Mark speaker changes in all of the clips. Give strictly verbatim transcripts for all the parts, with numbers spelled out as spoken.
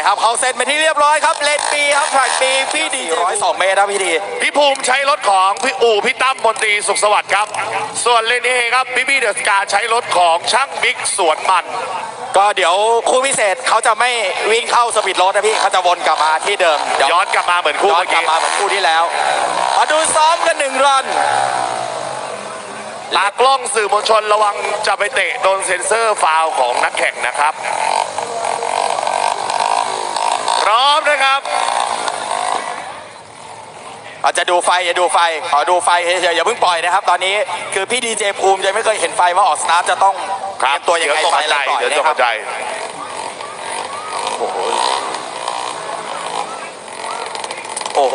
Speaker 1: ครับเขาเซ็นไปที่เรียบร้อยครับเลนปีครับแทร็กปีพี่ดีร้อยสองเมตรครับพี่ดี
Speaker 2: พี่ภูมิใช้รถของพี่อู่พี่ตั้มมนตรีสุขสวัสดิ์ครับส่วนเลนเอครับพี่บี้เดอะสกาใช้รถของช่างบิ๊กสวนมัน
Speaker 1: ก็เดี๋ยวคู่พิเศษเขาจะไม่วิ่งเข้าสปีดรถนะพี่เขาจะวนกลับมาที่เดิม
Speaker 2: ย้อนกลับมาเหมือนคู่
Speaker 1: ย้อนกลับมาเหมือนคู่ที่แล้วมาดูซ้อมกันหนึ่งรัน
Speaker 2: ตากล้องสื่อมวลชนระวังจะไปเตะโดนเซ็นเซอร์ฟาวของนักแข่งนะครับพร้อมนะครับ
Speaker 1: อาจจะดูไฟอย่าดูไฟขอดูไฟเฉยๆอย่าเพิ่งปล่อยนะครับตอนนี้คือพี่ดีเจภูมิยังไม่เคยเห็นไฟว่าออกสตาร์ทจะต้องเตรียมตัวยังไงไฟแล้วปล่อยนะครับโอ้โหโอ้โห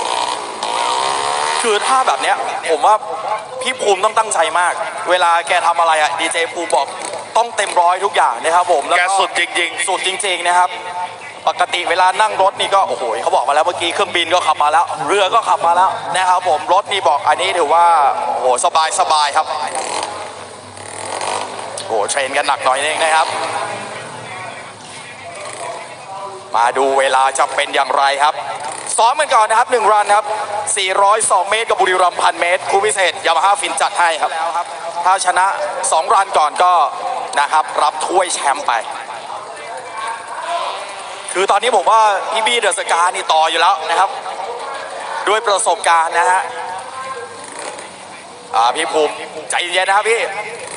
Speaker 1: คือถ้าแบบเนี้ยผมว่าพี่ภูมิต้องตั้งใจมากเวลาแกทำอะไรอะดีเจภูมิบอกต้องเต็มร้อยทุกอย่างนะครับผม
Speaker 2: แล้วก็สุดจริง
Speaker 1: ๆสุดจริงๆนะครับปกติเวลานั่งรถนี่ก็โอ้โหเขาบอกมาแล้วเมื่อกี้เครื่องบินก็ขับมาแล้วเรือก็ขับมาแล้วนะครับผมรถนี่บอกอันนี้ถือว่าโอ้โหสบายสบายครับโอ้โหเทรนกันหนักหน่อยเองนะครับมาดูเวลาจะเป็นอย่างไรครับซ้อมกันก่อนนะครับหนึ่งรันครับสี่ร้อยสองเมตรกับบุรีรัมย์พันเมตรคู่พิเศษยามาฮ่าฟินจัดให้ครับถ้าชนะสองรันก่อนก็นะครับรับถ้วยแชมป์ไปคือตอนนี้ผมว่าพี่บี้เดอะสกานี่ต่ออยู่แล้วนะครับด้วยประสบการณ์นะฮะอ่าพี่ภูมิใจเย็นนะครับพี่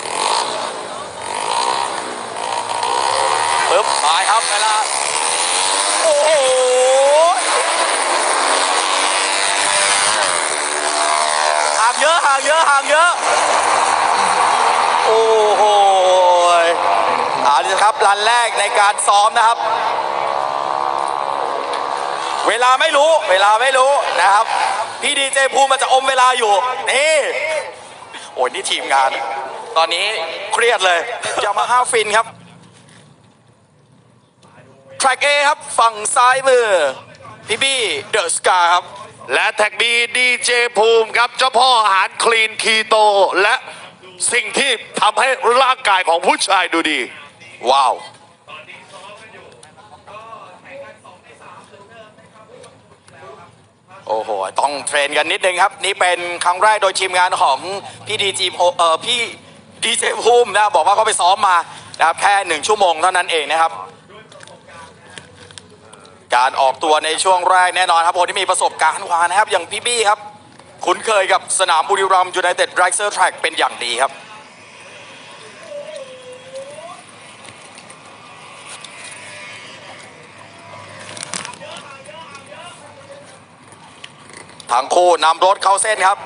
Speaker 1: ปึ๊บไปครับเวลาโอ้โหห่างเยอะห่างเยอะห่างเยอะโอ้โหเอาละครับรันแรกในการซ้อมนะครับเวลาไม่รู้เวลาไม่รู้นะครับพี่ดีเจภูมิมันจะอมเวลาอยู่นี่โอ้ยนี่ทีมงานตอนนี้เครียดเลยยามาฮ่าฟินครับแทร็ก A ครับฝั่งซ้ายมือพี่บี้เดอะสกาครับ
Speaker 2: และแท็กบีดีเจภูมิครับเจ้าพ่ออาหารคลีนคีโตและสิ่งที่ทำให้ร่างกายของผู้ชายดูดี
Speaker 1: ว้าวโอ้โหต้องเทรนกันนิดนึงครับนี่เป็นครั้งแรกโดยทีมงานของพี่ดีจีเอ่อพี่ดีเจภูมินะบอกว่าเขาไปซ้อมมานะครับแค่หนึ่งชั่วโมงเท่านั้นเองนะครับการออกตัวในช่วงแรกแน่นอนครับคนที่มีประสบการณ์กว่านะครับอย่างพี่บี้ครับคุ้นเคยกับสนามบุรีรัมย์ยูไนเต็ดไรเซอร์แทร็กเป็นอย่างดีครับทั้งคู่นำรถเข้าเส้นครับ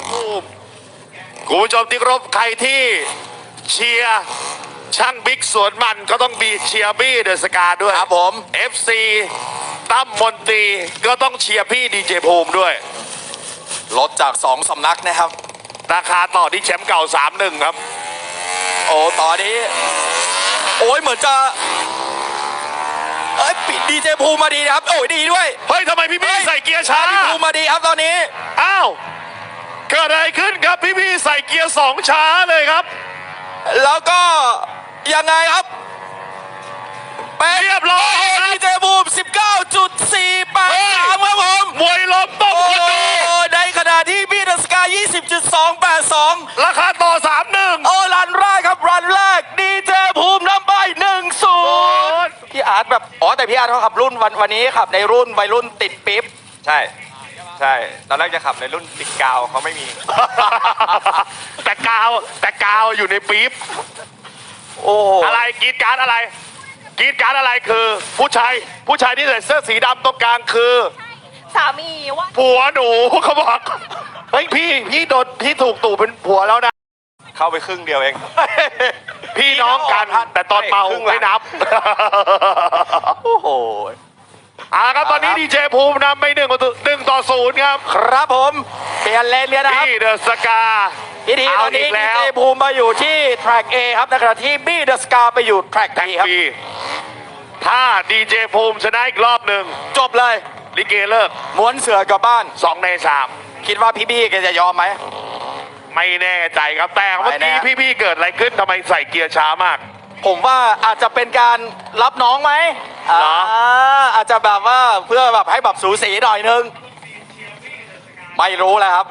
Speaker 2: คุณผู้ชมที่เคารพใครที่เชียร์ช่างบิ๊กสวนมันก็ต้องมีเชียร์บี้เดอะสกาด้วย
Speaker 1: ครับผม
Speaker 2: เอฟ ซี ตั้มมนตรีก็ต้องเชียร์พี่ดีเจภูมิด้วย
Speaker 1: รถจากสองสำนักนะครับ
Speaker 2: ราคาต่อที่แชมป์เก่า สามหนึ่ง ครับ
Speaker 1: โอ้ต่อนี้โอ้ยเหมือนจะเอ้ยปิดดีเจภูมิมาดีนะครับโอ้ยดีด้วย
Speaker 2: เฮ้ยทำไมพี่บี้ใส่เกียร์ช้า
Speaker 1: พี่ภูมิมาดีครับตอนนี้
Speaker 2: อ้าวเกิดอะไรขึ้นครับพี่บี้ใส่เกียร์สองช้าเลยครับ
Speaker 1: แล้วก็ยังไงครับ
Speaker 2: เรียบร้อย
Speaker 1: ดีเจภูมิ สิบเก้าจุดสี่แปดสาม ครับผม
Speaker 2: มวยล้มต้มคนดู
Speaker 1: ในขณะที่บี้เดอะสกา ยี่สิบจุดสองแปดสอง
Speaker 2: ราคาต่อ สามหนึ่ง
Speaker 1: โอ้รันแรกครับรันแรกดีเจภูมินำไป หนึ่งศูนย์ พี่อาร์ตแบบอ๋อแต่พี่อาร์ตเขาขับรุ่นวันวันนี้ขับในรุ่นวัยรุ่นติดปิ๊บ
Speaker 3: ใช่ใช่ตอนแรกจะขับในรุ่นติดกาวเขาไม่มี
Speaker 2: แต่กาวแต่กาวอยู่ในปี๊บ
Speaker 1: โอ้
Speaker 2: อะไรกีดการ์ดอะไรกีดการ์ดอะไรคือผู้ชายผู้ชายที่ใส่เสื้อสีดำตรงกลางคือ
Speaker 4: สามีว่า
Speaker 2: ผัวหนูเขาบอกเฮ้ยพี่พี่โดนพี่ถูกตู่เป็นผัวแล้วนะ
Speaker 3: เข้าไปครึ่งเดียวเอง
Speaker 2: พี่น้องกันแต่ตอนเมาไม่นับ
Speaker 1: โอ้โห
Speaker 2: อ่าครับตอนนี้ดีเจภูมินำไปหนึ่งหนึ่งต่อศูนย์ครับ
Speaker 1: ครับผมเปลี่ยนเลนเลยนะครับ
Speaker 2: บี้เดอะสกา
Speaker 1: พี่ดีตอนนี้ดีเจภูมิมาอยู่ที่แทร็ก A ครับในขณะที่บี้เดอะสกาไปอยู่แทร็ก B ครับ
Speaker 2: ถ้าดีเจภูมิชนะอีกรอบหนึ่ง
Speaker 1: จบเลย
Speaker 2: ลิเกเลิก
Speaker 1: ม้วนเสือกลับบ้าน
Speaker 2: สองในสาม
Speaker 1: คิดว่าพี่บี้แกจะยอมไหม
Speaker 2: ไม่แน่ใจครับแต่เมื่อกี้พี่บี้เกิดอะไรขึ้นทำไมใส่เกียร์ช้ามาก
Speaker 1: ผมว่าอาจจะเป็นการรับน้องไหม
Speaker 2: เหรอ
Speaker 1: อ่าอาจจะแบบว่าเพื่อแบบให้แบบสูสีหน่อยนึง ไม่รู้แล้วครับ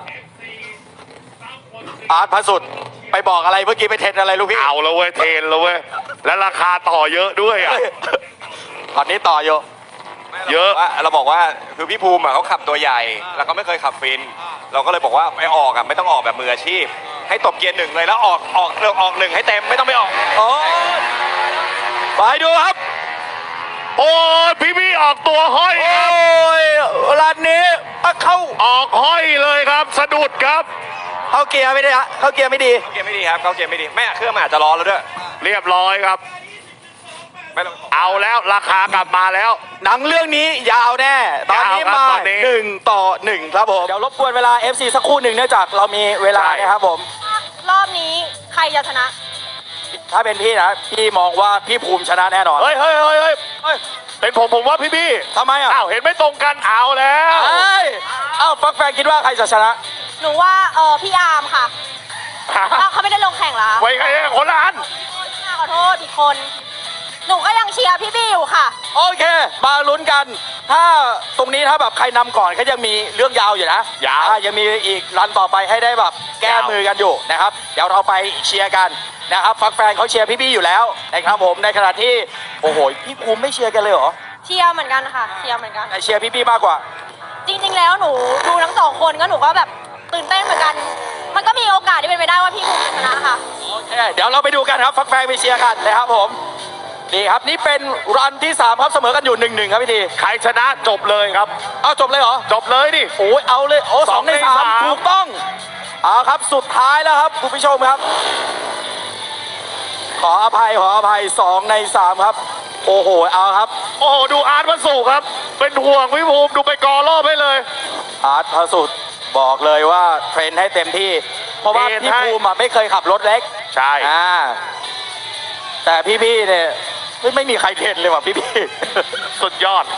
Speaker 1: อาร์ตพระสุดไปบอกอะไรเมื่อกี้ไปเทรนอะไรลูกพี่
Speaker 2: เอาแล้วเว้ยเทรนแล้วเว้ยและราคาต่อเยอะด้วยอ่ะ
Speaker 1: ตอนนี้ต่ออยู่
Speaker 2: เยอะ
Speaker 3: ว่าเราบอกว่าคือพี่ภูมิอะเขาขับตัวใหญ่ แล้วเขาไม่เคยขับฟิน เราก็เลยบอกว่าไปออกอะไม่ต้องออกแบบมืออาชีพ ให้ตบเกียร์หนึ่งเลยแล้วออกออกเร็วออกหนึ่งให้เต็มไม่ต้องไปออก
Speaker 1: โอ้ไปดูครับ
Speaker 2: โอ้ยพี่พี่ออกตัวห้อย
Speaker 1: โอ้
Speaker 2: ครับ
Speaker 1: ยร้านนี้เข้า
Speaker 2: ออกห้อยเลยครับ สะดุดครับ
Speaker 1: เข้าเกียร์ไม่ได้ฮะเข้าเกียร์ไม่ดี
Speaker 3: เขาเกียร์ไม่ดีครับเขาเกียร์ไม่ดีแม่เครื่องมันอาจจะร้อนแล้วด้วย
Speaker 2: เรียบร้อยครับ
Speaker 3: ไม่ต้อง
Speaker 2: เอาแล้วราคากลับมาแล้ว
Speaker 1: หนังเรื่องนี้ยาวแน่ ตอนนี้
Speaker 2: ยาวครับ
Speaker 1: มา
Speaker 2: ตอนนี้
Speaker 1: หนึ่งต่อหนึ่งครับผม เดี๋ยวรบกวนเวลา เอฟ ซี สักครู่หนึ่งเนื่องจากเรามีเวลา
Speaker 2: ใช่
Speaker 1: นะครับผม
Speaker 4: รอบนี้ใครจะชนะ
Speaker 1: ถ้าเป็นพี่นะ พี่มองว่าพี่ภูมิชนะแน่นอน
Speaker 2: เฮ้ยเฮ้ยเฮ้ยเฮ้ย
Speaker 1: เฮ้ย
Speaker 2: เป็นผมผมว่าพี่พี่
Speaker 1: ทำไมอ่ะ
Speaker 2: อ้าวเห็นไม่ตรงกันเอาแล้ว
Speaker 1: เอ้ยเอ้าฟักแฟนคิดว่าใครจะชนะ
Speaker 4: หนูว่าเออพี่อาร์มค่ะอ้าวเขาไม่ได้ลงแข่งเหรอ
Speaker 2: ไว้ไงคนละอัน
Speaker 4: ขอโทษอีกคน หนูก็ยังเชียร์พี่บี้อยู่ค่ะ
Speaker 1: โอเค มาลุ้นกัน ถ้าตรงนี้ถ้าแบบใครนำก่อนก็ยังมีเรื่องยาวอยู่นะ
Speaker 2: ยาว
Speaker 1: อ่ยังมีอีกรันต่อไปให้ได้แบบแก้
Speaker 2: ยาว
Speaker 1: มือกันอยู่นะครับ เดี๋ยวเราไปเชียร์กันนะครับ ฟักแฟนเขาเชียร์พี่บี้อยู่แล้วนะครับผมในขณะที่โอ้โหพี่ภูมิไม่เชียร์กันเลยเหรอ
Speaker 4: เชียร์เหมือนกันค่ะ เชียร์เหมือนกัน
Speaker 1: แต่เชียร์พี่บี้มากกว่า
Speaker 4: จริงๆแล้วหนูดูทั้งสองคนก็หนูก็แบบตื่นเต้นเหมือนกัน มันก็มีโอกาสที่เป็นไปได้ว่าพี่ภูมิจะชนะค่ะ
Speaker 1: โอเค เดี๋ยวเราไปดูกันครับ ฟักแฟนไปเชียร์กันนะครับผมนี่ครับนี่เป็นรันที่สามครับเสมอกันอยู่หนึ่งหนึ่งครับพี่ที
Speaker 2: ใครชนะจบเลยครับ
Speaker 1: เอาจบเลยเหรอ
Speaker 2: จบเลยดิ
Speaker 1: โอ้ยเอาเลยโอ้สองใน
Speaker 2: สองใน
Speaker 1: สาม
Speaker 2: สาม
Speaker 1: ถูกต้องเอาครับสุดท้ายแล้วครับคุณผู้ชมครับ ขออภัยขออภัยสองในสามครับ โอ้โหเอาครับ
Speaker 2: โอ้โหดูอาร์ตวันสุกร์ครับ เป็นห่วงพี่ภูมิดูไปกอรอบให้เลย
Speaker 1: อาร์ตพระสุดบอกเลยว่าเทรนให้เต็มที่ เพราะว่า
Speaker 2: เทรน
Speaker 1: พี่
Speaker 2: ให้
Speaker 1: ภูมิอะไม่เคยขับรถเล็ก
Speaker 2: ใช่
Speaker 1: อ่าแต่พี่ๆเนี่ยเฮ้ยไม่มีใครเทรนเลยว่ะพี่
Speaker 2: สุดยอด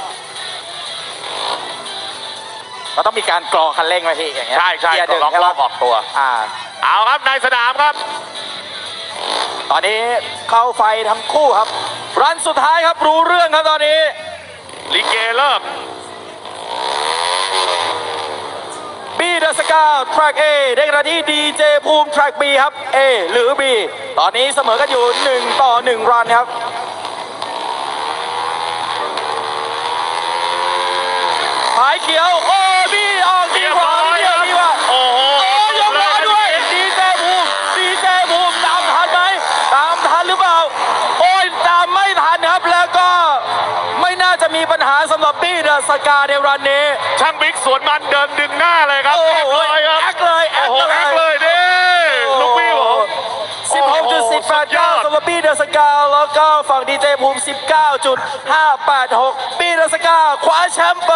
Speaker 1: ๆเราต้องมีการกรอคันเร่งไว้พี่อย่างเงี้ย
Speaker 2: ใช่ใช่
Speaker 1: เกียร์หนึ่ง
Speaker 2: ล็อก
Speaker 1: ใช่
Speaker 2: ร
Speaker 1: ปะ
Speaker 2: อบออกตัว
Speaker 1: อ่า
Speaker 2: เอาครับในสนามครับ
Speaker 1: ตอนนี้เข้าไฟทั้งคู่ครับ รันสุดท้ายครับรู้เรื่องครับตอนนี้
Speaker 2: ลิเกเริ่ม
Speaker 1: บีเดอะสกาทรัค A ได้กระที่ดีเจภูมิทรัค B ครับ A หรือ B ตอนนี้เสมอกันอยู่หนึ่งต่อหนึ่งรันครับหายเขียวโอ้บีออกดีกว่า
Speaker 2: เรียบร้อย
Speaker 1: ดีกว่า
Speaker 2: โอ้โห
Speaker 1: โอ้ยกมาด้วยดีเจภูมิดีเจภูมิตามทันไหมตามทันหรือเปล่าโอ้ยตามไม่ทันครับแล้วก็ไม่น่าจะมีปัญหาสำหรับบีเดอะสกาในรันนี้
Speaker 2: ช่างบิ๊กสวนมันเดินดึงหน้าเลยครับ
Speaker 1: โอ้โห
Speaker 2: แอคเลยครับ
Speaker 1: แอคเลยแอ
Speaker 2: โอ้
Speaker 1: ค
Speaker 2: โห
Speaker 1: เลย
Speaker 2: แอคเลยดิลูกพี่ผม
Speaker 1: สิบหกจุดสิบแปดเก้าสำหรับบีเดอะสกาแล้วก็ฝั่งดีเจภูมิ สิบเก้าจุดห้าแปดหก บีเดอะสกาคว้าแชมป์ไป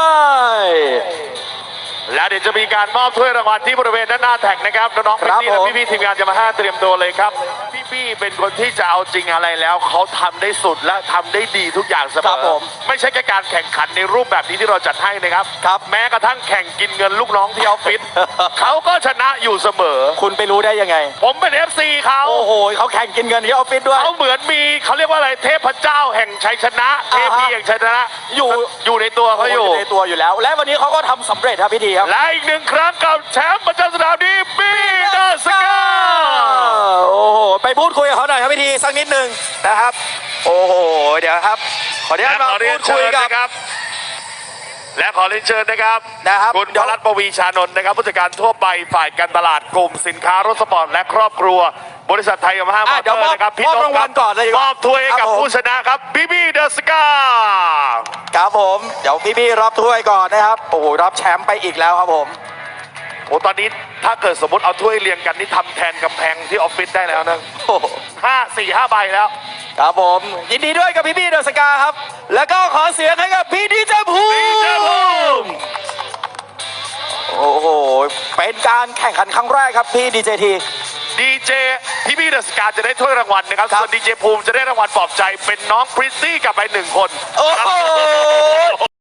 Speaker 2: แล้วเดี๋ยวจะมีการมอบถ้วยรางวัลที่บริเวณด้านหน้าแท็กนะครับน้องๆ
Speaker 1: ครับ
Speaker 2: พี่ๆและ
Speaker 1: ผม
Speaker 2: พี่ๆทีมงานจะมาห้าเตรียมตัวเลยครับพี่ๆเป็นคนที่จะเอาจริงอะไรแล้วเขาทำได้สุดและทำได้ดีทุกอย่างเสม
Speaker 1: ครับ
Speaker 2: อ
Speaker 1: ผม
Speaker 2: ไม่ใช่แค่การแข่งขันในรูปแบบนี้ที่เราจัดให้นะครับ
Speaker 1: ครับ
Speaker 2: แม้กระทั่งแข่งกินเงินลูกน้องที่ออฟฟิศ เขาก็ชนะอยู่เสมอ
Speaker 1: คุณไปรู้ได้ยังไง
Speaker 2: ผมเป็น เอฟ ซี เขา
Speaker 1: โอ้โหเขาแข่งกินเงินที่ออฟฟิศด้วย
Speaker 2: เขาเหมือนมีเขาเรียกว่าอะไรเทพเจ้าแห่งชัยชนะเท
Speaker 1: อ่าฮะ
Speaker 2: พีแห่งชัยชนะ
Speaker 1: อยู่
Speaker 2: อยู่ในตัวเขาอยู่
Speaker 1: ในตัวอยู่แล้ว และวันนี้เขาก็ทำสำเร็จครับพี่ทีครับ
Speaker 2: และอีกหนึ่งครั้งกับแชมป์ประจำสนามนี้บีเดอะสกา
Speaker 1: โอ้โหไปพูดคุยกับเขาหน่อยครับพี่ทีสักนิดหนึ่งนะครับ โอ้โหเดี๋ยวครับ ขออนุญาต
Speaker 2: และ
Speaker 1: มา
Speaker 2: ขอเรีย
Speaker 1: พู
Speaker 2: น
Speaker 1: ด
Speaker 2: เชิ
Speaker 1: คุย
Speaker 2: ญ
Speaker 1: กับ
Speaker 2: นะครับ และขอเรียนเชิญนะครับ
Speaker 1: นะครับ
Speaker 2: คุณพรัตน์ปวีชานนท์นะครับผู้จัดการทั่วไปฝ่ายการตลาดกลุ่มสินค้ารถสปอร์ตและครอบครัว บริษัทไทยยามาฮ่ามอ
Speaker 1: อ่ะ
Speaker 2: เต
Speaker 1: เดี๋
Speaker 2: อ
Speaker 1: ยวมอบ
Speaker 2: ร์นะครับพี่
Speaker 1: มอบ
Speaker 2: นน
Speaker 1: ราง
Speaker 2: ท์ค
Speaker 1: วั
Speaker 2: รั
Speaker 1: ล
Speaker 2: บ
Speaker 1: ก่อนเลยดีก
Speaker 2: ม
Speaker 1: ว่า
Speaker 2: อบถ้วยให้กับ
Speaker 1: ครับผม
Speaker 2: ผู้ชนะครับบีบีเดอะสกา
Speaker 1: ครับผมเดี๋ยวพี่ๆรับถ้วยก่อนนะครับโอ้โหรับแชมป์ไปอีกแล้วครับผม
Speaker 2: โอ้ตอนนี้ถ้าเกิดสมมติเอาถ้วยเรียงกันนี่ทำแทนกำแพงที่ออฟฟิศได้แล้วนะ
Speaker 1: โอ้โห
Speaker 2: ห้าสี่ห้าใบแล้ว
Speaker 1: ครับผมยินดีด้วยกับพี่พี่เดอะสกาครับ แล้วก็ขอเสียงให้กับพี่ดีเจภูมิ
Speaker 2: ดีเจภูมิ
Speaker 1: โอ้โหเป็นการแข่งขันครั้งแรกครับพี่ดีเจที
Speaker 2: ดีเจพี่พี่เดอะสกาจะได้ถ้วยรางวัลนะครับ
Speaker 1: ครับ
Speaker 2: ส่วนดีเจภูมิจะได้รางวัลปลอบใจเป็นน้องพริตตี้กลับไปหนึ่งคน
Speaker 1: โอ้โห